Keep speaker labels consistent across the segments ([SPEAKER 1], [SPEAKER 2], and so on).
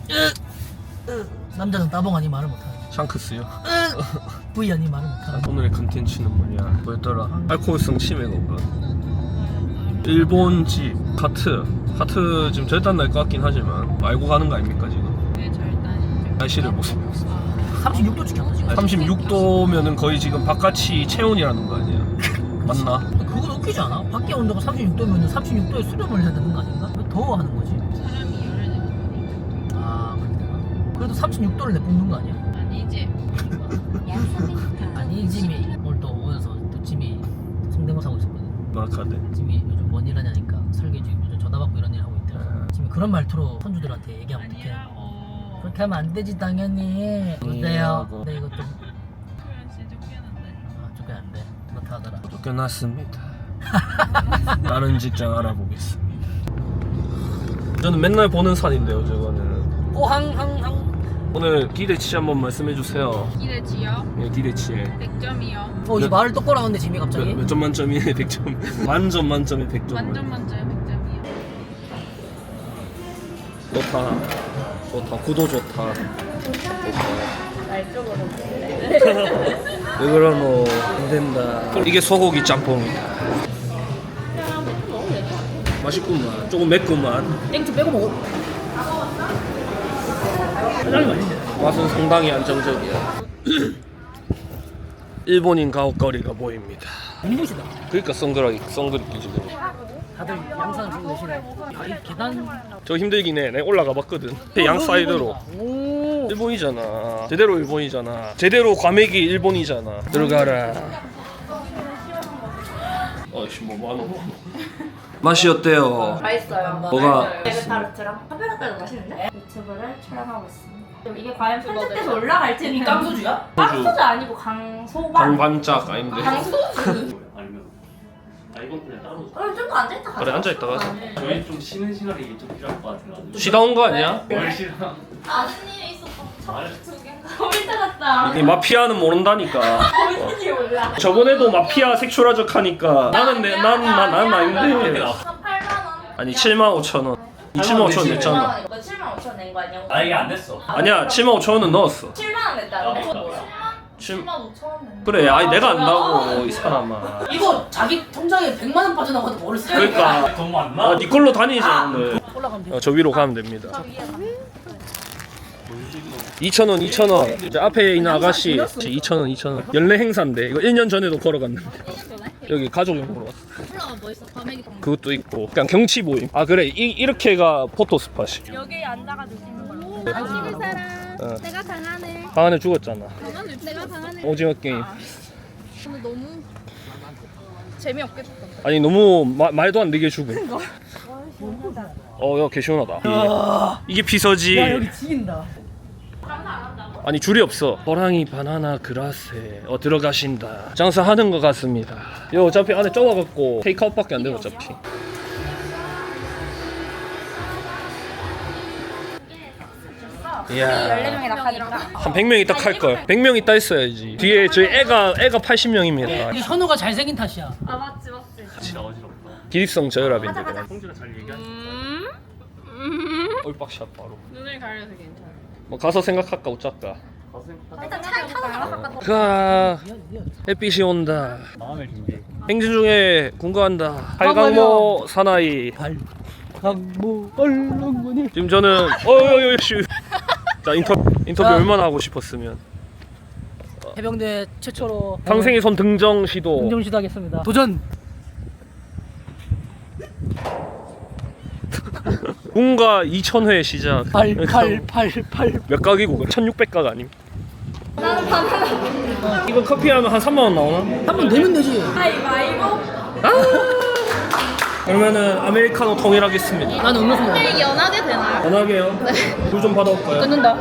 [SPEAKER 1] 남자는 따봉 아니 말을 못하네.
[SPEAKER 2] 샹크스요.
[SPEAKER 1] V 아니 말을 못하네.
[SPEAKER 2] 오늘의 컨텐츠는 뭐냐? 뭐였더라? 알코올성 치매가 일본 집 하트 지금 절단 날 것 같긴 하지만 알고 가는 거 아닙니까 지금?
[SPEAKER 3] 네, 절단이죠.
[SPEAKER 2] 날씨를 보시면
[SPEAKER 1] 36도 찍혔다 지금.
[SPEAKER 2] 36도면은 거의 지금 바깥이 체온이라는 거 아니야? 맞나?
[SPEAKER 1] 그건 웃기지 않아? 밖에 온도가 36도면 36도에 수렴을 해야 되는 거 아닌가? 왜 더워하는 거지?
[SPEAKER 3] 사람이 열을 내는
[SPEAKER 1] 아 그렇게 되나? 그래도 36도를 내뿜는 거 아니야?
[SPEAKER 3] 아니지.
[SPEAKER 1] 아니 짐이 오늘 또 오면서 또 짐이 성대모사 하고 있었거든.
[SPEAKER 2] 뭐라카데?
[SPEAKER 1] 짐이 요즘 뭔 일 하냐니까 설계직 요즘 전화 받고 이런 일 하고 있더라. 짐이 그런 말투로 선주들한테 얘기하면 어떡해?
[SPEAKER 3] 아니라고.
[SPEAKER 1] 그렇게 하면 안 되지 당연히. 어때요? 근데 이거 좀
[SPEAKER 3] 그러면 진짜 쫓겨난다.
[SPEAKER 1] 조금 안 돼. 그렇다 하더라.
[SPEAKER 2] 쫓겨났습니다. 다른 직장 알아보겠습니다. 저는 맨날 보는 산인데요 저거는.
[SPEAKER 1] 오항항항.
[SPEAKER 2] 오늘 기대치 한번 말씀해 주세요.
[SPEAKER 3] 기대치요?
[SPEAKER 2] 네, 기대치
[SPEAKER 3] 100점이요.
[SPEAKER 1] 이 말을 똑바로 하는데 짐이 갑자기.
[SPEAKER 2] 몇 점 만점이네 100점. 만점 만점에 100점.
[SPEAKER 3] 만점 만점에 100점이요.
[SPEAKER 2] 좋다 구도 좋다.
[SPEAKER 3] 날 쪽으로.
[SPEAKER 2] 왜 그러노 안 된다. 이게 소고기 짬뽕이다. 맛있구만. 조금 맵구만.
[SPEAKER 1] 땡초 빼고 먹어. 짜장이 맛있네.
[SPEAKER 2] 맛은 상당히 안정적이야. 일본인 가옥거리가 보입니다.
[SPEAKER 1] 눈부시다.
[SPEAKER 2] 그러니까 선글라스 끼지.
[SPEAKER 1] 다들 양산을 쓰고 계시네. 아, 이 계단.
[SPEAKER 2] 저 힘들긴 해. 내가 올라가 봤거든. 양 사이드로.
[SPEAKER 1] 오.
[SPEAKER 2] 일본이잖아. 제대로 일본이잖아. 제대로 과메기 일본이잖아. 들어가라. 아이씨 뭐 하노? 맛이 어때요?
[SPEAKER 4] 맛있어요.
[SPEAKER 2] 뭐가?
[SPEAKER 4] 에그타르트랑 카페라떼도 맛있는데? 유튜브를 촬영하고 있습니다. 그럼 이게 과연 편집돼서 올라갈지
[SPEAKER 1] 이 깡소주야?
[SPEAKER 4] 깡소주 아니고 강소반.
[SPEAKER 2] 강반짝 아닌데.
[SPEAKER 4] 강소주.
[SPEAKER 5] 이건 그냥 따로
[SPEAKER 4] 그럼 좀 더 앉아있다 가자.
[SPEAKER 2] 그래 앉아있다가 하자.
[SPEAKER 5] 저희 좀 쉬는 시간이 좀 필요할 것 같아가지고
[SPEAKER 2] 쉬다 온 거 아니야?
[SPEAKER 5] 뭘 쉬나?
[SPEAKER 4] 아는 일이 있었어. 두 개인가? 커뮤니티 같다.
[SPEAKER 2] 이 마피아는 모른다니까.
[SPEAKER 4] 커뮤니티 올라.
[SPEAKER 2] 저번에도 마피아 색출하적 하니까 나는 난 아닌데.
[SPEAKER 4] 8만원.
[SPEAKER 2] 아니 75,000원. 75,000원 냈잖아.
[SPEAKER 4] 너 7만 5천 낸 거 아니야?
[SPEAKER 5] 아 이게 안 됐어.
[SPEAKER 2] 아니야 75,000원은 넣었어.
[SPEAKER 4] 7만원 냈다는데?
[SPEAKER 2] 7...
[SPEAKER 4] 7만 5천 냈는데.
[SPEAKER 2] 그래 아니 내가 안다고 이 사람아.
[SPEAKER 1] 이거 자기 통장에 100만 원 빠져나가도 모를 수.
[SPEAKER 2] 그러니까
[SPEAKER 5] 돈 많나?
[SPEAKER 2] 네 걸로 다니자 오늘.
[SPEAKER 1] 올라가면 돼.
[SPEAKER 2] 저 위로 가면 됩니다. 2,000원 2,000원. 이제 앞에 있는 아가씨 2,000원 연례 행사인데 이거 1년 전에도 걸어갔는데 여기 가족용으로 왔어.
[SPEAKER 3] 올라가 뭐 있어? 과메기 방.
[SPEAKER 2] 그것도 있고 그냥 경치 보임. 아 그래 이렇게가 포토 스팟이.
[SPEAKER 3] 여기 앉아가지고 찍는 거야.
[SPEAKER 1] 아,
[SPEAKER 3] 찍을 사람.
[SPEAKER 2] 어.
[SPEAKER 3] 내가 강하네.
[SPEAKER 2] 방 안에 죽었잖아.
[SPEAKER 3] 내가 강하네.
[SPEAKER 2] 오징어 게임.
[SPEAKER 3] 근데 너무 재미없겠다.
[SPEAKER 2] 아니 너무 말도 안 되게 죽음. 야 개 시원하다. 이게 피서지.
[SPEAKER 1] 야 여기 지긴다.
[SPEAKER 2] 아니 줄이 없어. 호랑이 바나나 그라세 들어가신다. 장사하는 것 같습니다. 요 어차피 안에 좁아갖고 테이크아웃밖에 안 돼 어차피. 이야
[SPEAKER 4] 14명이 낙하니까.
[SPEAKER 2] 한 100명 있다 칼걸. 100명 있다 했어야지. 뒤에 저희 애가 80명입니다.
[SPEAKER 1] 이 현우가 잘생긴 탓이야.
[SPEAKER 4] 아 맞지.
[SPEAKER 5] 진짜 어지럽다.
[SPEAKER 2] 기립성 저혈압인데.
[SPEAKER 5] 성준아 잘 얘기하지.
[SPEAKER 2] 얼빡샷 바로.
[SPEAKER 3] 눈을 가려서 괜찮아.
[SPEAKER 2] 뭐 가서 생각할까 어쩔까.
[SPEAKER 4] 일단 차에 타고 나가.
[SPEAKER 2] 가 햇빛이 온다.
[SPEAKER 5] 마음의 준비.
[SPEAKER 2] 행진 중에 군가한다. 팔강모 사나이.
[SPEAKER 1] 강모 얼렁무니.
[SPEAKER 2] 지금 저는 자 인터뷰
[SPEAKER 1] 자.
[SPEAKER 2] 얼마나 하고 싶었으면
[SPEAKER 1] 해병대 최초로
[SPEAKER 2] 상생의 손 등정 시도.
[SPEAKER 1] 긍정 시도하겠습니다. 도전.
[SPEAKER 2] 군가 2000회 시작.
[SPEAKER 1] 8
[SPEAKER 2] 몇 각이고 1600각 아님? 이거 커피 하면 한 3만 원 나오나?
[SPEAKER 1] 한번 내면 되지.
[SPEAKER 4] 가위바위보.
[SPEAKER 2] 그러면은 아메리카노 통일하겠습니다.
[SPEAKER 1] 나는 음료수 먹어.
[SPEAKER 3] 연하게 되나요?
[SPEAKER 2] 전화게요. 물 좀 받아올까요?
[SPEAKER 1] 끊는다.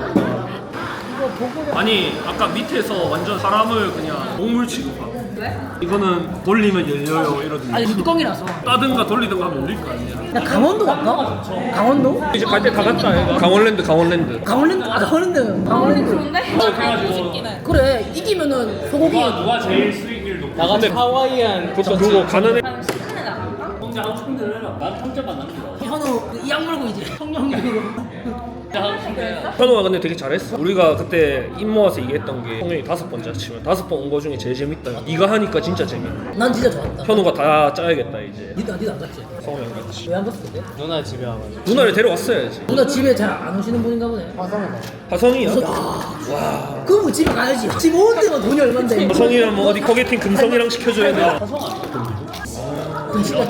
[SPEAKER 2] 아니 아까 밑에서 완전 사람을 그냥 동물 취급하고. 왜? 이거는 돌리면 열려요 이러던데.
[SPEAKER 1] 아니 뚜껑이라서.
[SPEAKER 2] 따든가 돌리든가 하면 열릴 거 아니야.
[SPEAKER 1] 야 강원도 갈까? 강원도?
[SPEAKER 2] 이제 갈 때 다 갔다 얘가. 강원랜드
[SPEAKER 1] 강원랜드. 강원랜드.
[SPEAKER 4] 좋은데?
[SPEAKER 1] 그래 이기면은 소고기.
[SPEAKER 5] 누가 제일 수익률 높아?
[SPEAKER 2] 나가면 하와이안 그거 가는 애.
[SPEAKER 1] 하고 싶은 대로 해라.
[SPEAKER 5] 난 3점만 남기다.
[SPEAKER 1] 현우 이악 물고 이제 성령으로.
[SPEAKER 2] 현우가 근데 되게 잘했어. 우리가 그때 입 모아서 얘기했던 게 성령이 5번째 치면 5번 온 거 중에 제일 재밌다. 이거 하니까 진짜 재밌네.
[SPEAKER 1] 난 진짜 좋았다.
[SPEAKER 2] 현우가 다 짜야겠다 이제.
[SPEAKER 1] 니도 안 갔지?
[SPEAKER 2] 성우 형 같이.
[SPEAKER 1] 왜 안 갔어 그때?
[SPEAKER 5] 누나 집에 와가지고.
[SPEAKER 2] 누나를 데려왔어야지.
[SPEAKER 1] 누나 집에 잘 안 오시는 분인가 보네. 화성에서.
[SPEAKER 2] 화성이야?
[SPEAKER 1] 와. 그럼 뭐 집에 가야지. 집 오는 데만 돈이 얼만데.
[SPEAKER 2] 화성이랑 뭐 어디 거기팅 금성이랑 시켜줘야 돼.
[SPEAKER 1] 그럼 집에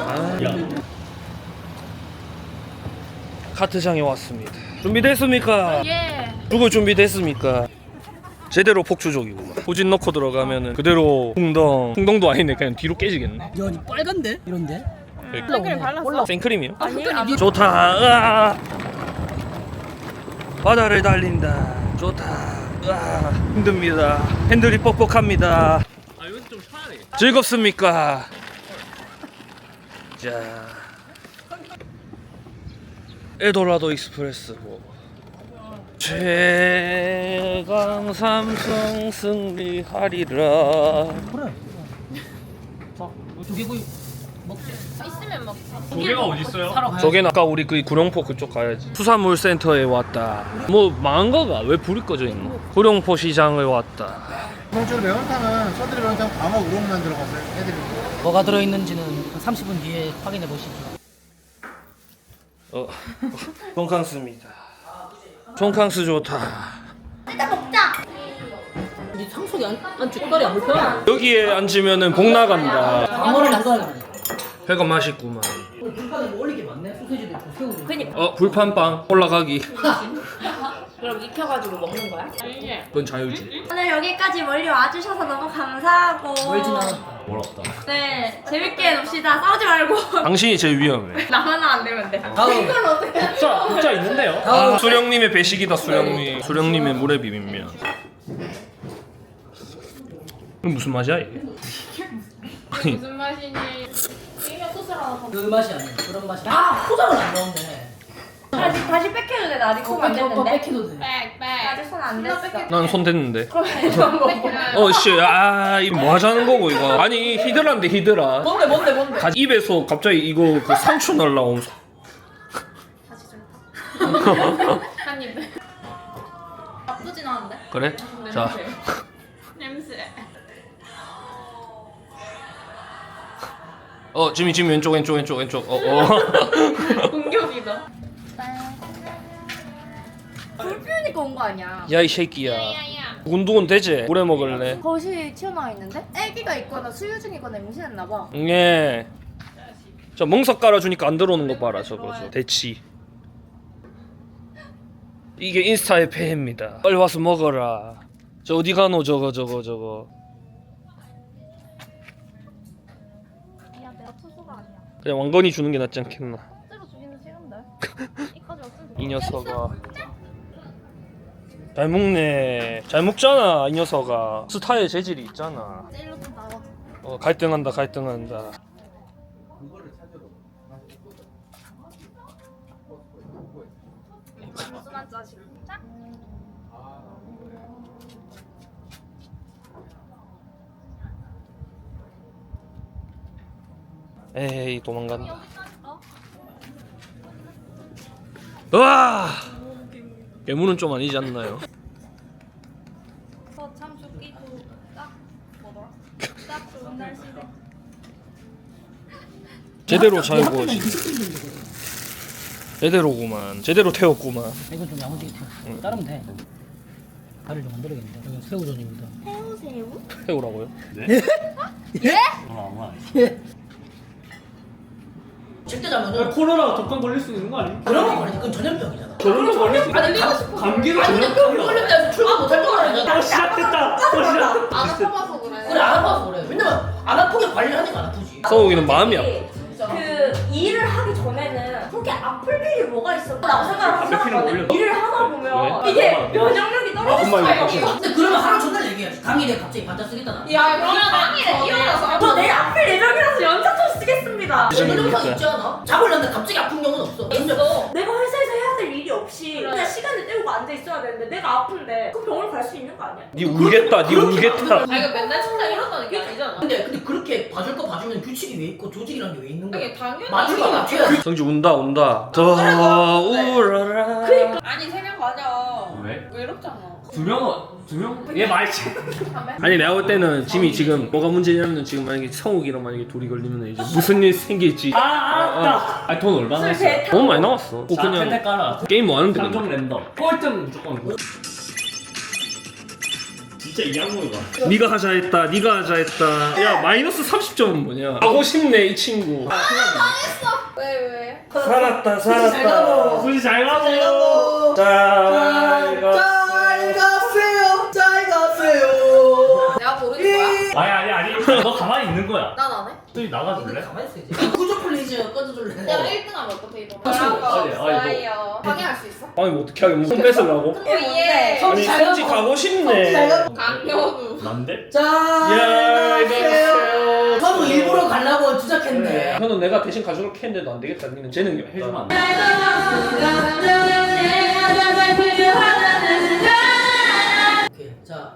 [SPEAKER 2] 카트장에 왔습니다. 준비됐습니까?
[SPEAKER 3] 예.
[SPEAKER 2] 누구 준비됐습니까? 제대로 폭주족이구만. 후진 넣고 들어가면은 그대로 풍덩도 아니네. 그냥 뒤로 깨지겠네.
[SPEAKER 1] 야, 니 빨간데? 이런데?
[SPEAKER 3] 생크림 발랐어?
[SPEAKER 2] 생크림이요?
[SPEAKER 3] 아니,
[SPEAKER 2] 좋다. 으아. 바다를 달린다. 좋다. 으아. 힘듭니다. 핸들이 뻑뻑합니다.
[SPEAKER 5] 아 여기서 좀 쉬어야 돼.
[SPEAKER 2] 즐겁습니까? 자, 에도라도 익스프레스 최강 삼성 승리하리라.
[SPEAKER 1] 그래. 자, 조개구이 먹자.
[SPEAKER 3] 있으면 먹지.
[SPEAKER 5] 조개가 어디 있어요?
[SPEAKER 1] 사러 가야지.
[SPEAKER 2] 저긴 아까 우리 그 구룡포 그쪽 가야지. 수산물 센터에 왔다. 뭐 망한 거가 왜 불이 꺼져 있노? 구룡포 시장을 왔다.
[SPEAKER 6] 기본적으로 매운탕은 서들이 매운탕 광어 우럭만 들어가서 해드리고
[SPEAKER 1] 뭐가 들어있는지는 한 30분 뒤에 확인해 보시죠.
[SPEAKER 2] 돈캉스입니다. 돈캉스 좋다.
[SPEAKER 1] 니 상속이 안 쭈다리 안 불편해.
[SPEAKER 2] 여기에 앉으면은 복 나간다.
[SPEAKER 1] 방어를 안 가야 돼.
[SPEAKER 2] 회가 맛있구만.
[SPEAKER 1] 불판에 뭐 올릴 게 많네. 소세지도 있고 새우도 있고.
[SPEAKER 2] 불판빵 올라가기.
[SPEAKER 4] 그럼 익혀가지고 먹는 거야?
[SPEAKER 2] 그건 자유지.
[SPEAKER 4] 오늘 여기까지 멀리 와주셔서 너무 감사하고
[SPEAKER 1] 멀진 않았다.
[SPEAKER 5] 멀었다.
[SPEAKER 4] 네 재밌게 놉시다. 싸우지 말고
[SPEAKER 2] 당신이 제일 위험해.
[SPEAKER 4] 나만 안 되면 돼.
[SPEAKER 1] 다음.
[SPEAKER 5] 국자 있는데요?
[SPEAKER 2] 아, 수령님의 배식이다. 수령님. 수령님의 물회 비빔면. 이건 무슨 맛이야 이게? 아니
[SPEAKER 3] 무슨 맛이니? 이면 소스를 하나 더.
[SPEAKER 1] 그 맛이 아니야. 그런 맛이. 아, 포장을 안 넣었네.
[SPEAKER 4] 다시 뺏겨도 돼. 나 아직 손 안 됐는데.
[SPEAKER 1] 뺏기도 돼.
[SPEAKER 3] 빽빽.
[SPEAKER 4] 아직 손 안 됐어.
[SPEAKER 2] 난 손 댔는데.
[SPEAKER 4] 그럼 이거 먹어.
[SPEAKER 2] 씨, 이거 뭐 하자는 거고 이거? 아니 히드라인데 히드라.
[SPEAKER 1] 뭔데?
[SPEAKER 2] 입에서 갑자기 이거 그 상추 날라옴.
[SPEAKER 3] 한 입에. 나쁘진 않은데?
[SPEAKER 2] 그래? 자,
[SPEAKER 3] 냄새.
[SPEAKER 2] 지금 왼쪽.
[SPEAKER 3] 공격이다.
[SPEAKER 4] 불 피우니까 온 거 아니야?
[SPEAKER 2] 야 이 새끼야.
[SPEAKER 3] 야야.
[SPEAKER 2] 두근두근 되지? 오래 먹을래?
[SPEAKER 4] 거실 튀어나와 있는데? 애기가 있거나 수유 중이거나 임신했나 봐.
[SPEAKER 2] 예. 저 멍석 깔아주니까 안 들어오는 거 봐라 저거 대치. 이게 인스타의 폐해입니다. 빨리 와서 먹어라. 저 어디 가노 저거.
[SPEAKER 3] 야 내가 투수가 아니야.
[SPEAKER 2] 그냥 왕건이 주는 게 낫지 않겠나?
[SPEAKER 3] 실제로 주기는 싫은데. 이까지 왔으면
[SPEAKER 2] 이 녀석아. 잘 먹네. 잘 먹잖아 이 녀석아. 스타의 재질이 있잖아.
[SPEAKER 3] 젤로 좀 나와.
[SPEAKER 2] 갈등한다.
[SPEAKER 3] 무슨한 짜식. 자.
[SPEAKER 2] 에이 도망간다. 으아! 괴물은 좀 아니지 않나요?
[SPEAKER 3] 참 죽기도 딱 뭐더라? 딱 좋은 날씨래.
[SPEAKER 2] 제대로 잘 구워지. 제대로구만. 제대로 태웠구만.
[SPEAKER 1] 이건 좀 야무지게 튀어. 자르면 돼. 다리를 좀 만들어야겠네. 이건 새우전입니다.
[SPEAKER 4] 새우?
[SPEAKER 2] 태우라고요?
[SPEAKER 5] 아무 안
[SPEAKER 1] 예. 절대 잘못
[SPEAKER 5] 코로나 독감 걸릴 수 있는 거 아니야?
[SPEAKER 1] 그런 거 걸리지. 그건 전염병이잖아.
[SPEAKER 5] 저런 거 걸릴 수 있는 감기로 전염.
[SPEAKER 1] 걸리면 출근 못할 거라니까.
[SPEAKER 5] 시작됐다.
[SPEAKER 3] 안 아파봐서 그래.
[SPEAKER 1] 그래 안 아파서 그래. 왜냐면 안 아프게 관리하니까 안 아프지.
[SPEAKER 2] 서우기는 마음이 아파.
[SPEAKER 4] 그 일을 하기 전에는 그렇게 아플 일이 뭐가 있어? 라고 생각을
[SPEAKER 5] 담배 피는 거
[SPEAKER 4] 하거든.
[SPEAKER 5] 올려.
[SPEAKER 4] 일을 하다 보면
[SPEAKER 2] 왜?
[SPEAKER 4] 이게 면역력이 떨어질
[SPEAKER 2] 엄마
[SPEAKER 4] 수가
[SPEAKER 2] 이거
[SPEAKER 4] 있어.
[SPEAKER 1] 근데 그러면 하루 전날 얘기해야지. 당일에 갑자기 반짝 쓰겠다 나.
[SPEAKER 3] 야 그러면 당일에 일어나서.
[SPEAKER 4] 저 내일 아플 예정이라서 연차좀 쓰겠습니다.
[SPEAKER 1] 그런 영상 있지 않아? 잡으려는데 갑자기 아픈 경우는 없어.
[SPEAKER 4] 있어. 내가 회사에서 해야 될 일이 없어. 없이 그냥 시간을 때우고 앉아 있어야 되는데 내가 아픈데 그 병원 갈 수 있는 거 아니야?
[SPEAKER 2] 니 울겠다 니 울겠다.
[SPEAKER 3] 아 이거 맨날 진짜 이런다는 게 아니잖아.
[SPEAKER 1] 근데 그렇게 봐줄 거 봐주면 규칙이 왜 있고 조직이란 게 왜 있는 거야?
[SPEAKER 3] 이게 당연히
[SPEAKER 1] 맞출 거 맞춰야지.
[SPEAKER 2] 성지 운다. 더 울어라.
[SPEAKER 3] 아니 3명 가자.
[SPEAKER 5] 왜?
[SPEAKER 3] 외롭잖아.
[SPEAKER 5] 2명? 얘 말지.
[SPEAKER 2] 아니 내가 볼 때는 짐이 지금 뭐가 문제냐면 지금 만약에 성욱이랑 만약에 둘이 걸리면 이제 무슨 일 생길지.
[SPEAKER 5] 아, 아니 돈 얼마나 했어?
[SPEAKER 2] 너무 많이 나왔어. 꼭
[SPEAKER 5] 자,
[SPEAKER 2] 그냥
[SPEAKER 5] 텐데 깔아.
[SPEAKER 2] 게임 뭐 하는데
[SPEAKER 5] 상점
[SPEAKER 2] 그냥.
[SPEAKER 5] 랜덤. 꼴등 무조건 이거. 진짜 이 양모이가.
[SPEAKER 2] 네가 하자 했다. 야 마이너스 30점은 뭐냐? 가고 싶네 이 친구.
[SPEAKER 3] 왜?
[SPEAKER 2] 살았다.
[SPEAKER 5] 수지 잘 가고.
[SPEAKER 2] 잘 가세요.
[SPEAKER 3] 내가 모르는 거야?
[SPEAKER 5] 아니. 너 가만히 있는 거야.
[SPEAKER 3] 난 안 해.
[SPEAKER 5] 수지 나가줄래?
[SPEAKER 1] 가만히 있어 이제. 구조 플리즈 꺼져줄래?
[SPEAKER 3] 내가 1등 하면 어떡해 이거?
[SPEAKER 5] 아니,
[SPEAKER 3] 없어요. 방해할 수 있어?
[SPEAKER 2] 아니 뭐 어떻게 하게 뭐 뺏으려고?
[SPEAKER 3] 예.
[SPEAKER 2] 아니 성지 가고 싶네.
[SPEAKER 3] 강현우.
[SPEAKER 5] 난데?
[SPEAKER 2] 야 이거
[SPEAKER 1] 서로 일부러 가려고 주작했네.
[SPEAKER 2] 현우 내가 대신 가져올게 했는데도 안 되겠다. 니는 재능이
[SPEAKER 5] 해주면 안 돼.
[SPEAKER 1] 오케이, 자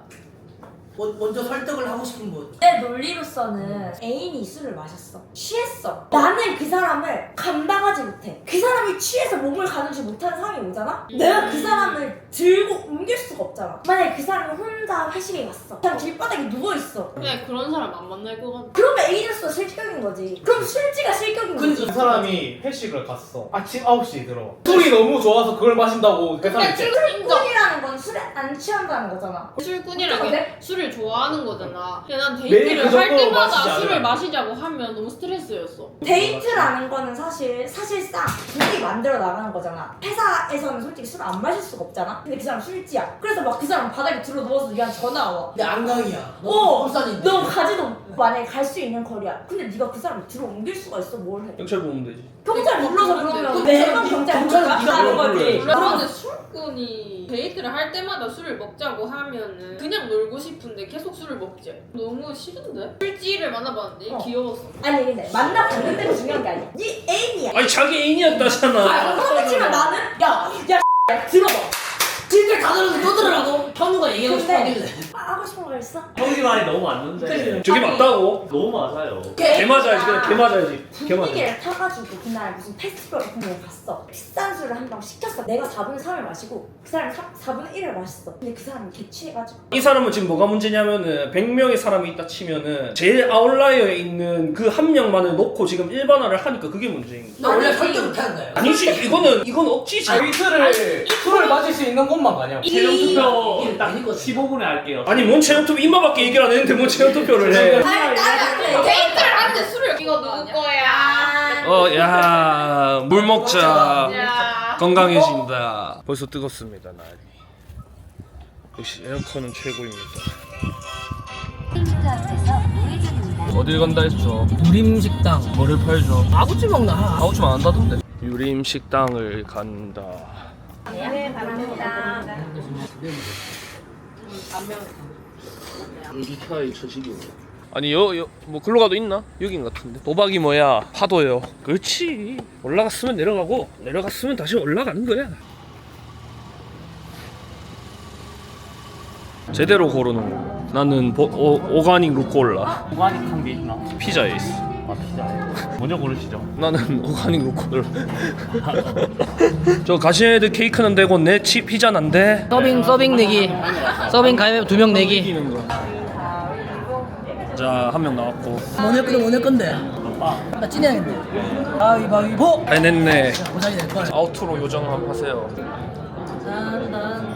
[SPEAKER 1] 먼저 설득을 하고 싶은 분.
[SPEAKER 4] 내 논리로서는 애인이 술을 마셨어. 취했어. 나는 그 사람을 감당하지 못해. 그 사람이 취해서 몸을 가누지 못하는 상황이 오잖아? 내가 그 사람을 들고 옮길 수가 없잖아. 만약에 그 사람이 혼자 회식에 갔어. 그냥 길바닥에 누워있어.
[SPEAKER 3] 그냥 그런 사람 안 만날 것 같아.
[SPEAKER 4] 그러면 애인으로서 실격인 거지. 그럼 술지가 실격인 거지.
[SPEAKER 6] 그 사람이 회식을 갔어. 아침 9시에 들어. 술이 너무 좋아서 그걸 마신다고 그 사람이
[SPEAKER 3] 근데
[SPEAKER 6] 이제
[SPEAKER 4] 술꾼이라는 건 술에 안 취한다는 거잖아.
[SPEAKER 3] 술꾼이란
[SPEAKER 4] 어때?
[SPEAKER 3] 게 술을 좋아하는 거잖아. 근데 난
[SPEAKER 6] 매일
[SPEAKER 3] 데이트를
[SPEAKER 6] 그
[SPEAKER 3] 할
[SPEAKER 6] 정도로
[SPEAKER 3] 때마다
[SPEAKER 6] 마시지
[SPEAKER 3] 술을
[SPEAKER 6] 않아.
[SPEAKER 3] 마시자고 하면 너무 스트레스였어.
[SPEAKER 4] 데이트라는 거는 사실상 둘이 만들어 나가는 거잖아. 회사에서는 솔직히 술 안 마실 수가 없잖아. 근데 그 사람 술지야. 그래서 막 그 사람 바닥에 들어 누워서 얘한테 전화 와.
[SPEAKER 1] 근데 안강이야.
[SPEAKER 4] 어,
[SPEAKER 1] 울산인데.
[SPEAKER 4] 너 가지도 만약에 갈 수 있는 거리야. 근데 네가 그 사람을 들어 옮길 수가 있어. 뭘 해?
[SPEAKER 2] 경찰 보면 되지.
[SPEAKER 4] 경찰 불러서 그러면
[SPEAKER 1] 근데
[SPEAKER 4] 매번 경찰
[SPEAKER 1] 경찰은 네가
[SPEAKER 4] 가는
[SPEAKER 1] 뭘
[SPEAKER 4] 거지.
[SPEAKER 1] 불러야지.
[SPEAKER 3] 그런데 술꾼이 데이트를 할 때마다 술을 먹자고 하면은 그냥 놀고 싶은데 계속 술을 먹지. 너무 싫은데? 술지를 만나봤는데 귀여웠어.
[SPEAKER 4] 아니 근데 만나봤는데 중요한 게 아니야. 네 애인이야.
[SPEAKER 2] 아니 자기 애인이었다잖아.
[SPEAKER 4] 그렇지만 나는 야 들어봐.
[SPEAKER 1] 진짜 다 들어서 또 들으라고. 현우가 얘기하고 싶어
[SPEAKER 4] 근데
[SPEAKER 1] 하길래.
[SPEAKER 4] 하고 싶은 거 있어?
[SPEAKER 5] 형이 말이 너무 맞는데.
[SPEAKER 2] 저게 맞다고?
[SPEAKER 5] 너무 맞아요.
[SPEAKER 2] 개 맞아야지 그냥 개 맞아야지. 개 맞아.
[SPEAKER 4] 분위기를 타가지고 그날 무슨 페스티벌 같은 데 갔어. 비싼 술을 한 병 시켰어. 내가 4분의 3을 마시고 그 사람이 4분의 1을 마셨어. 근데 그 사람이 개취해가지고
[SPEAKER 2] 이 사람은 지금 뭐가 문제냐면은 100명의 사람이 있다 치면은 제일 아웃라이어에 있는 그 한 명만을 놓고 지금 일반화를 하니까 그게 문제인 거야.
[SPEAKER 1] 너 원래 설득 못하는 거야.
[SPEAKER 2] 아니지 이건 억지지.
[SPEAKER 6] 술을 마실 수 있는 곳만 가냐고.
[SPEAKER 5] 최종 투표
[SPEAKER 1] 이게
[SPEAKER 5] 딱
[SPEAKER 1] 아닌 거지.
[SPEAKER 5] 15분에 할게요.
[SPEAKER 2] 아니 뭔 체험 투표 임마밖에 얘기를 안 했는데 뭔 체험 투표를 해.
[SPEAKER 3] 데이트를 하는데 술을 이거 누구 거야?
[SPEAKER 2] 야 물 먹자.
[SPEAKER 3] 야.
[SPEAKER 2] 건강해진다. 벌써 뜨겁습니다 날이. 역시 에어컨은 최고입니다. 어딜 간다 했죠?
[SPEAKER 1] 유림식당.
[SPEAKER 2] 뭐를 팔죠?
[SPEAKER 1] 아구찜 먹나?
[SPEAKER 2] 아우좀 안 한다던데. 유림식당을 간다.
[SPEAKER 4] 네 감사합니다.
[SPEAKER 2] 이카이 처지기. 아니 뭐 글로 가도 있나? 여긴 같은데. 도박이 뭐야? 파도요. 그렇지. 올라갔으면 내려가고 내려갔으면 다시 올라가는 거야. 제대로 고르는 거. 나는 오가닉 루꼴라.
[SPEAKER 5] 오가닉한 게 있나?
[SPEAKER 2] 피자에 있어.
[SPEAKER 5] 아 피자. 먼저 고르시죠.
[SPEAKER 2] 나는 오가닉 루꼴라. 저 가시헤드 케이크는 되고 내 피자는 안 돼.
[SPEAKER 1] 서빙 내기. 서빙 가위바위보 2명 내기.
[SPEAKER 2] 이기는 거. 자, 한 명 나왔고.
[SPEAKER 1] 뭐 낼 건데? 나 찐해야겠네. 가위바위보.
[SPEAKER 2] 해냈네.
[SPEAKER 1] 보상이 될 거야.
[SPEAKER 2] 아우트로 요정 한번 하세요.
[SPEAKER 1] 짠.